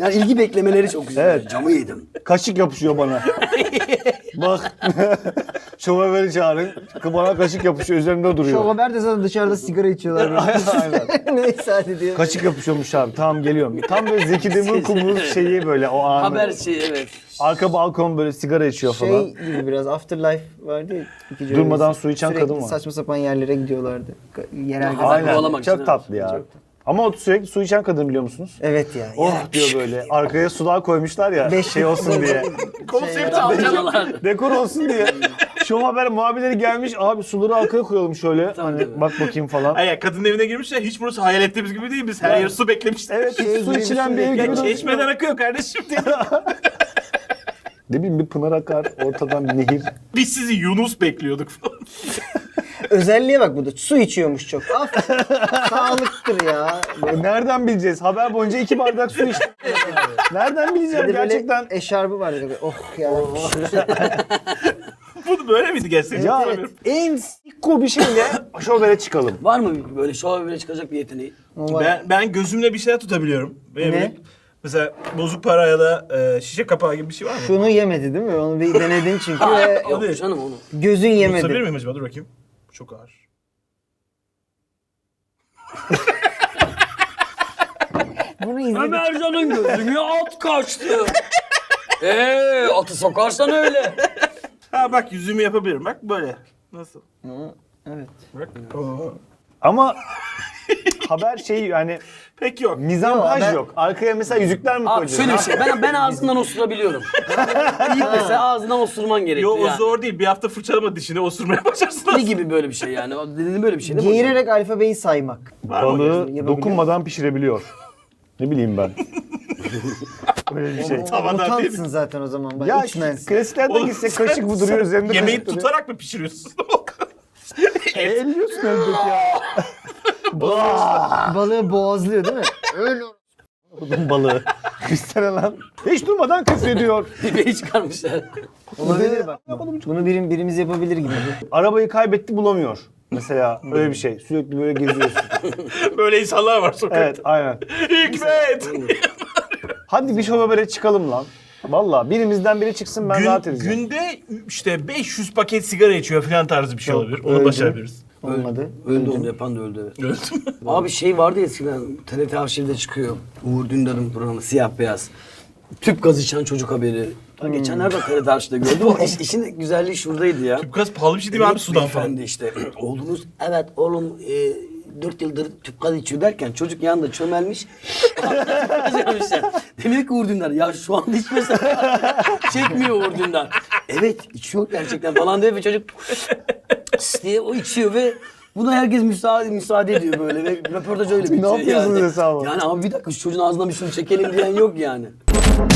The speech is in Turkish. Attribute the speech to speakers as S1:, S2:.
S1: Yani ilgi beklemeleri çok güzel.
S2: Evet.
S1: Camı yedim.
S2: Kaşık yapışıyor bana. Bak. Şoförü çağırın. Bana kaşık yapışıyor. Üzerimde duruyor.
S3: Şovaber de zaten dışarıda sigara içiyorlar.
S2: Aynen.
S3: Neyse hadi diyor.
S2: Kaşık yapışıyormuş abi. Tamam geliyorum. Tam böyle Zeki Demirkubuz'un şeyi böyle o anı.
S1: Haber şeyi evet.
S2: Arka balkon böyle sigara içiyor falan.
S3: Şey gibi biraz Afterlife vardı ya. İkinci
S2: Durmadan
S3: öyle
S2: su içen
S3: sürekli
S2: kadın var.
S3: saçma sapan yerlere gidiyorlardı. Yerel
S1: Aynen.
S3: gazeteciler.
S2: Aynen.
S1: kovalamak
S2: Çok
S1: için,
S2: tatlı ya. Ama o sürekli su içen kadın biliyor musunuz?
S3: Evet ya.
S2: Oh diyor böyle. Arkaya sular koymuşlar ya
S3: Beş
S2: şey olsun diye.
S1: Konsept alacaklar.
S2: Dekor olsun diye. Şu haber muhabirleri gelmiş. Abi suları arkaya koyalım şöyle. Hani bak bakayım falan.
S4: Ay kadının evine girmişler. Hiç burası hayal ettiğimiz gibi değil. Biz her yer su beklemiştik.
S2: Evet hiç su içilen bir ev
S4: Ya
S2: gibi.
S4: çeşmeden akıyor kardeşim diye.
S2: Ne bileyim bir pınar akar ortadan bir nehir.
S4: Biz sizi Yunus bekliyorduk falan.
S3: Özelliğe bak bu da. Su içiyormuş çok. Sağlıktır ya.
S2: Nereden bileceğiz? Haber boyunca 2 bardak su içtim. Nereden bileceğim
S3: Bir de böyle
S2: gerçekten?
S3: eşarbı vardı. Böyle, oh ya.
S4: Bu böyle miydi gerçekten?
S2: Ya
S4: Hatırlamıyorum.
S2: en sikko bir şeyle şovere çıkalım.
S1: Var mı böyle şova bile çıkacak bir yeteneği?
S4: Ben gözümle bir şeyler tutabiliyorum. Benim
S3: Ne?
S4: mesela bozuk para ya da şişe kapağı gibi bir şey var mı?
S3: Şunu yemedi değil mi? Onu bir denedin çünkü ve
S1: Yok
S4: değil.
S1: canım onu.
S3: gözün
S4: Tutabilir
S3: yemedi.
S4: miyim acaba? Dur bakayım. Bu çok ağır.
S3: Bunu izledik.
S1: Ömercan'ın gözüne at kaçtı. Atı sokarsan öyle.
S4: Ha bak yüzümü yapabilirim. Bak böyle. Nasıl?
S3: Evet.
S4: Bak. Oo.
S2: Ama haber şeyi yani
S4: Pek yok.
S2: mizampaj
S3: ben-
S2: yok. Arkaya mesela yüzükler mi
S1: Abi
S2: koyacağız?
S1: şöyle bir şey. Ben ağzından osurabiliyorum. İlk mesela ağzından osurman gerekiyor.
S4: Yo o
S1: yani.
S4: zor değil. Bir hafta fırçalama dişini osurmaya başarsın.
S1: Ne gibi böyle bir şey yani? Dediğin böyle bir şey değil mi?
S3: Geğirerek alfabeyi saymak.
S4: Var mı?
S2: Balığı
S3: Yapabiliyor.
S2: dokunmadan pişirebiliyor. Ne bileyim ben. Öyle bir şey.
S4: Tavadan değil
S3: Mutantsın zaten o zaman. Bak,
S2: Ya
S3: içmensin.
S2: klasiklerden
S4: Oğlum
S2: gitsek
S4: sen-
S2: kaşık duruyor üzerinde
S4: Yemeği
S2: kaşık duruyor.
S4: tutarak mı pişiriyorsun?
S2: Elliyorsun elbet ya.
S3: Balığı boğazlıyor değil mi? Öyle.
S2: Odun balığı. Üstene lan. Hiç durmadan küfrediyor.
S1: Dibeyi çıkarmışlar.
S3: Olabilir bak. Bunu birimiz yapabilir gibi.
S2: Arabayı kaybetti bulamıyor. Mesela öyle bir şey. Sürekli böyle geziyorsun.
S4: Böyle insanlar var sokakta.
S2: Evet aynen.
S4: Hikmet!
S2: Hadi bir şovabere çıkalım lan. Valla birimizden biri çıksın ben rahat edeceğim.
S4: Günde işte 500 paket sigara içiyor falan tarzı bir şey
S2: Yok,
S4: olabilir. Onu
S2: öldü.
S4: başarabiliriz.
S3: Olmadı.
S1: Öldü onu yapan da öldü evet.
S4: Öldüm.
S1: Abi şey vardı ya eskiden TRT arşivde çıkıyor. Uğur Dündar'ın programı siyah beyaz. Tüp gaz içen çocuk haberi. Geçenlerde TRT arşivde gördüm. O işin güzelliği şuradaydı ya.
S4: Tüp pahalı bir şey değil mi abi sudan falan?
S1: Beyefendi işte oğlunuz evet oğlum 4 yıldır tüp gaz içiyor derken çocuk yanında çömelmiş. Yazmışlar. Demek ki Uğur Dündar ya şu anda içmese çekmiyor Uğur Dündar. Evet içiyor gerçekten falan diye ve çocuk diye o içiyor ve buna herkes müsaade ediyor böyle ve röportaj öyle bitiyor.
S2: yapıyorsunuz
S1: yani.
S2: hesabı?
S1: Yani abi bir dakika şu çocuğun ağzından bir şunu çekelim diyen yok yani.